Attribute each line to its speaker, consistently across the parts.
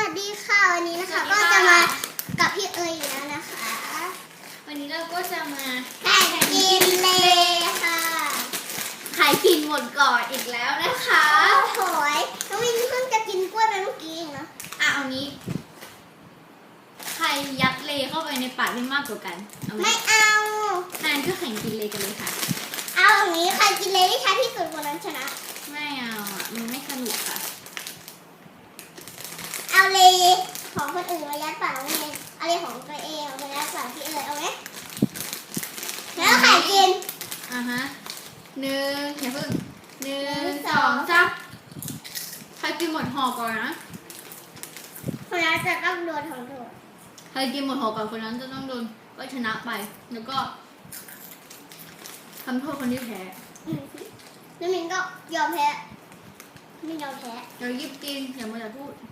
Speaker 1: วัสดีค่ะวันนี้นะคะก็จะมากับพี่เอ๋ยอีกแล้วนะคะ
Speaker 2: วันนี้เราก็จะมา
Speaker 1: แข่งกินเลยค่ะ
Speaker 2: ใครกินหมดก่อนอีกแล้วนะคะ
Speaker 1: โอ้โหน้องวินเพิ่งจะกินกล้วยไปเมื่อกี้เองนะ
Speaker 2: เอานี้ใครยัดเลเข้าไปในปากได้มากกว่ากัน
Speaker 1: ไม่เอา
Speaker 2: งั้นก็แข่งกินเลกันเลยค่ะ
Speaker 1: เอาอย่างนี้ใครกินเลยได้ช้าที่สุดคนนั้นชนะ
Speaker 2: ไม่เอามันไม่สนุกค่ะ
Speaker 1: เอาเลยของคนอื่นมายัดปากน้องวินเอาเลยของตัวเองเอาไปยัดปากพี่เอ๋ยเอาไหมแล้วใครกิน
Speaker 2: ฮะอย่าเพิ่ง1 2 3ใครกินหมดห่อก่อนนะ
Speaker 1: คนนั้นจะต้องโดนทำโทษ
Speaker 2: ใครกินหมดห่อก่อนคนนั้นจะต้องโดนก็ชนะไปแล้วก็ทำโทษคนที่แพ้
Speaker 1: น้ำมินก็ยอมแพ้ไม่ยอมแพ้
Speaker 2: เดี๋ยวยิบกินอย่ามาพูด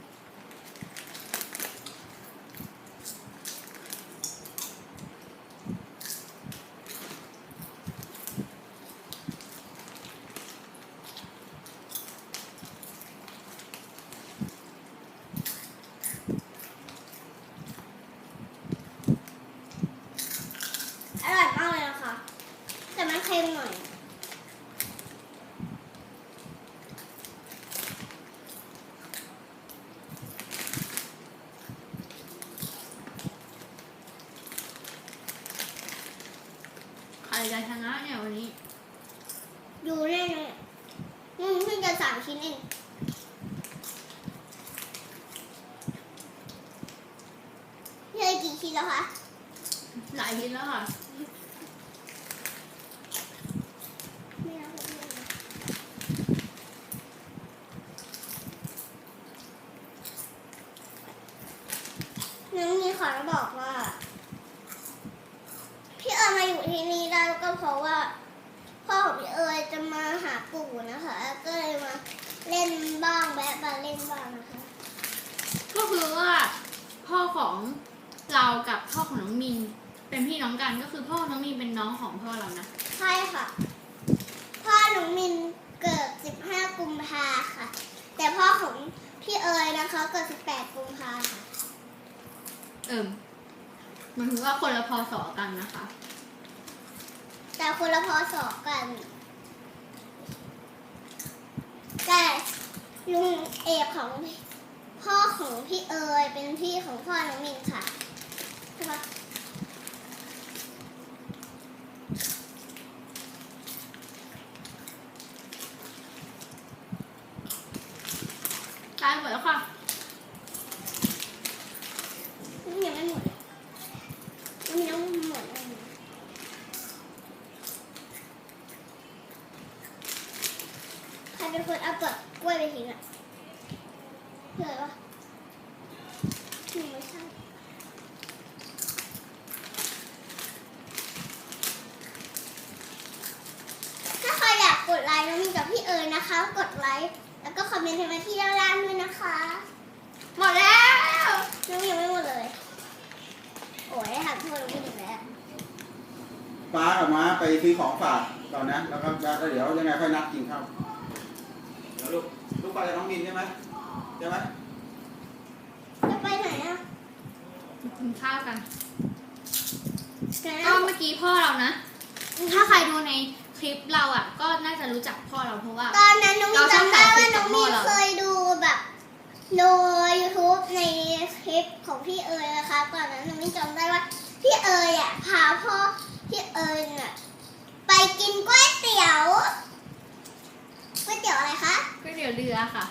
Speaker 1: อร่อยมากเลยนะคะแต่มันเค็มหน่อย
Speaker 2: ใครจะชนะเนี่ยวันนี้
Speaker 1: ดูแน่เลยเพิ่งจะ3 ชิ้นเองเยอะกี่ชิ้นแล้วคะ
Speaker 2: หลายชิ้นแล้วค่ะ
Speaker 1: น้องมีขอบอกว่าพี่เอ๋ยมาอยู่ที่นี่ได้ก็เพราะว่าพ่อของพี่เอ๋ยจะมาหาปู่นะคะก็เลยมาเล่นบ้างแวะมาเล่นบ้างนะคะ
Speaker 2: ก็คือว่าพ่อของเรากับพ่อของน้องมินเป็นพี่น้องกันก็คือพ่อน้องมินเป็นน้องของพ่อเรานะ
Speaker 1: ใช่ค่ะพ่อน้องมินเกิด15 กุมภาค่ะแต่พ่อของพี่เอ๋ยนะคะเกิด18 กุมภาค่ะ
Speaker 2: มันถือว่าคนละพศกันนะคะ
Speaker 1: แต่คนละพศกันแต่ลุงเอกของพ่อของพี่เอ๋ยเป็นพี่ของพ่อน้องมินค่ะใช่ปะ
Speaker 2: ตายหมดแล้วค่ะ
Speaker 1: ยังไม่หมดยังไม่ต้องหมดเลยใครเป็นคนเอาเปลือกกล้วยไปทิ้งอ่ะเผื่อวะไม่ใช่ถ้าใครอยากกดไลค์น้องมินกับพี่เอ๋ยนะคะกดไลค์แล้วก็คอมเมนต์ให้มาที่ด้านล่างด้วยนะคะ
Speaker 2: หมดแล้ว
Speaker 1: น้องยังไม่หมดเลยโอ้ยหักโทษน้องมินอีกแล้ว
Speaker 3: ป้ากับม้าไปซื้อของฝากก่อนนะแล้วก็เดี๋ยวยังไงค่อยนัดกินข้าวเดี๋ยวลูกไปกับน้องมินใช่ไหม
Speaker 1: จะไปไหนอ่ะ
Speaker 2: กินข้าวกันก็เมื่อกี้พ่อเรานะถ้าใครดูในคลิปเราอ่ะก็น่าจะรู้จักพ่อเราเพราะว่า
Speaker 1: ตอนนั้นน้องมินจำได้ว่าน้องมินเคยดูแบบดู YouTube ในคลิปของพี่เอ๋ยนะคะตอนนั้นน้องมินจำได้ว่าพี่เอ๋ยอ่ะพาพ่อพี่เอ๋ยน่ะไปกินก๋วยเตี๋ยวอะไรคะ
Speaker 2: ก๋วยเตี๋ยวเรือค่ะ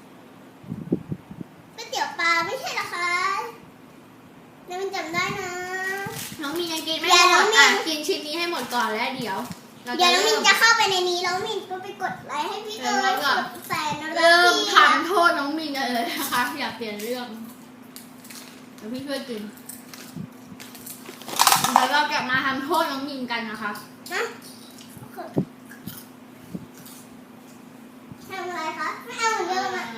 Speaker 1: ก๋วยเตี๋ยวปลาไม่ใช่หรอคะน้องมินจำได้นะ
Speaker 2: น้องมินยังกินไม่หมดกินชิ้นนี้ให้หมดก่อนแล้วเดี๋ยว
Speaker 1: น้องมินจะเข้าไปในนี้แล้วมินก็ไปกดไลค์ให้พี่เอ๋ยกดแสน
Speaker 2: เริ่มทำโทษน้องมินเลยนะคะอยากเปลี่ยนเรื่องเดี๋ยวพี่ช่วยกินเดี๋ยวเราจะมาทำโทษน้องมินกันนะคะ
Speaker 1: ทำอะไรคะไม่เอาเหมือนเดิมอ่ะ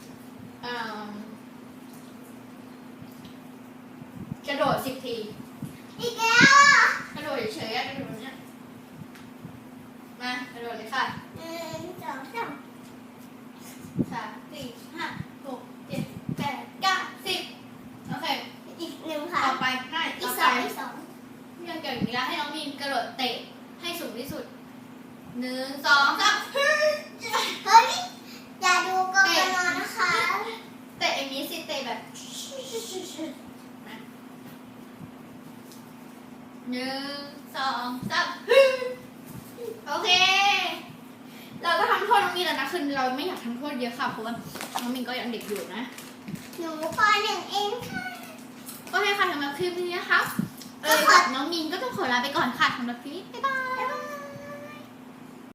Speaker 2: กระโดด10 ที
Speaker 1: อีกแล้ว
Speaker 2: กระโดดเฉยๆกระโดดเนี้ยมากระโดดเลยค่ะ
Speaker 1: 1 2 3
Speaker 2: 3 4 5 6 7 8 9 10 1 2 3
Speaker 1: เฮ้ยอย่าดูกกนนะคะ
Speaker 2: เตะอย่างนี้สิเตะแบบ1 2 3โอเคเราก็ทำโทษน้องมีนแล้วนะคือเราไม่อยากทำโทษเยอะค่ะเพราะว่าน้องมินก็ยังเด็กอยู่นะ
Speaker 1: หนูป .1 เองค่ะ
Speaker 2: โอเคค่ะสำหรับคลิปนี้นะคะกับน้องมินก็ต้องขอลาไปก่อนค่ะสำหรับคลิปนี้บ๊ายบาย